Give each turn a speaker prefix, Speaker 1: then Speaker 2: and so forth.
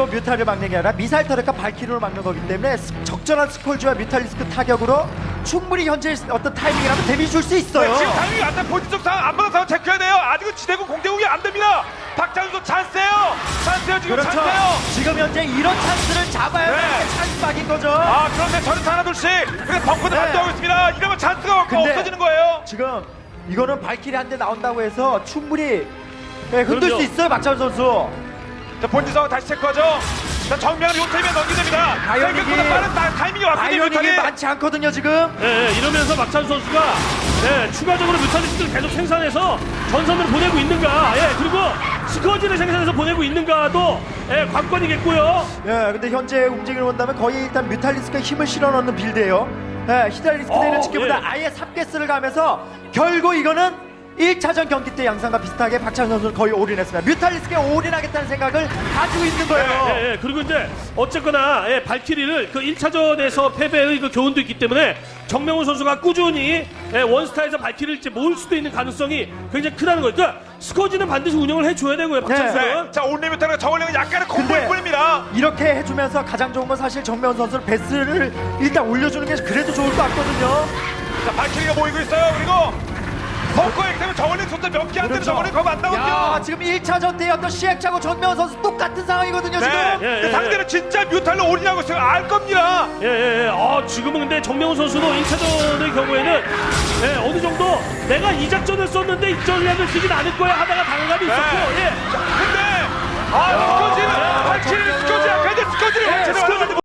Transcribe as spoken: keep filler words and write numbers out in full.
Speaker 1: 단기로 뮤탈을 막는 게 아니라 미사일 터렛과 발키리로 막는 거기 때문에 스- 적절한 스콜지와 뮤탈리스크 타격으로 충분히 현재 어떤 타이밍이라면 데미지 줄 수 있어요.
Speaker 2: 네, 지금 타이밍이 안 돼. 본진적 상황, 안마당 상황 체크해야 돼요. 아직은 지대공 공대공이 안 됩니다. 박찬수 찬스예요. 찬스예요. 지금
Speaker 1: 그렇죠.
Speaker 2: 찬스예요.
Speaker 1: 지금 현재 이런 찬스를 잡아야
Speaker 2: 네.
Speaker 1: 되는 게 찬스박인 거죠.
Speaker 2: 아, 그런데 저는 하나 둘씩 그래 벙커도
Speaker 1: 네.
Speaker 2: 반도하고 있습니다. 이러면 찬스가
Speaker 1: 근데
Speaker 2: 없어지는 거예요.
Speaker 1: 지금 이거는 발키리 한 대 나온다고 해서 충분히 네, 흔들
Speaker 3: 그럼요.
Speaker 1: 수 있어요, 박찬 선수.
Speaker 2: 자, 본진 상황 다시 체크하죠. 자, 정면을 용태면 넘기게 됩니다.
Speaker 1: 바이오닉이-
Speaker 2: 생각보다 빠른 타- 타이밍이 왔거든요.
Speaker 1: 바이오닉이
Speaker 2: 뮤탈이.
Speaker 1: 많지 않거든요, 지금.
Speaker 3: 예, 예, 이러면서 박찬 선수가 예, 추가적으로 뮤탈리스트를 계속 생산해서 전선을 보내고 있는가, 예, 그리고 스커지를 생산해서 보내고 있는가도 예, 관건이겠고요.
Speaker 1: 예, 근데 현재 움직임을 본다면 거의 일단 뮤탈리스크에 힘을 실어 넣는 빌드예요. 예, 히달리스크
Speaker 3: 어,
Speaker 1: 되는 지켜보다
Speaker 3: 예.
Speaker 1: 아예 삽게스를 가면서 결국 이거는 일 차전 경기 때 양상과 비슷하게 박찬 선수는 거의 올인했습니다. 뮤탈리스크에 올인하겠다는 생각을 가지고 있는 거예요.
Speaker 3: 예, 예, 그리고 이제 어쨌거나 예, 발키리를 그 일 차전에서 패배의 그 교훈도 있기 때문에 정명훈 선수가 꾸준히 예, 원스타에서 발키리를 이제 모을 수도 있는 가능성이 굉장히 크다는 거죠. 그러니까 스커지는 반드시 운영을 해줘야 되고요, 박찬
Speaker 1: 네.
Speaker 3: 선수는.
Speaker 2: 네. 자, 올리 뮤탈과 저울링은 약간의 공포일
Speaker 1: 근데-
Speaker 2: 뿐입니다.
Speaker 1: 이렇게 해주면서 가장 좋은 건 사실 정면 선수는 베스를 일단 올려주는 게 그래도 좋을 것 같거든요.
Speaker 2: 자, 발키리가 모이고 있어요. 그리고 벙커에 때문에 저울링 숫자 몇 개 안 되는 저울링 거의 안
Speaker 1: 야,
Speaker 2: 나오거든요.
Speaker 1: 지금 일 차전 때 어떤 시행착오 전면 선수 똑같은 상황이거든요,
Speaker 2: 네.
Speaker 1: 지금.
Speaker 3: 예,
Speaker 2: 근데
Speaker 3: 예,
Speaker 2: 상대는 진짜 뮤탈로 올인하고 있어요. 알 겁니다.
Speaker 3: 예, 예, 예. 어, 지금은 근데 정명훈 선수도 일 차전의 경우에는 예, 어느 정도 내가 이 작전을 썼는데 이 전략을 쓰진 않을 거야 하다가 당감이 있었고,
Speaker 2: 네.
Speaker 3: 예.
Speaker 2: 근데 아, 스커지는 발키리 스커지 앞에 스커지를
Speaker 1: 네,
Speaker 2: 제대로
Speaker 1: 스커지
Speaker 2: 하려고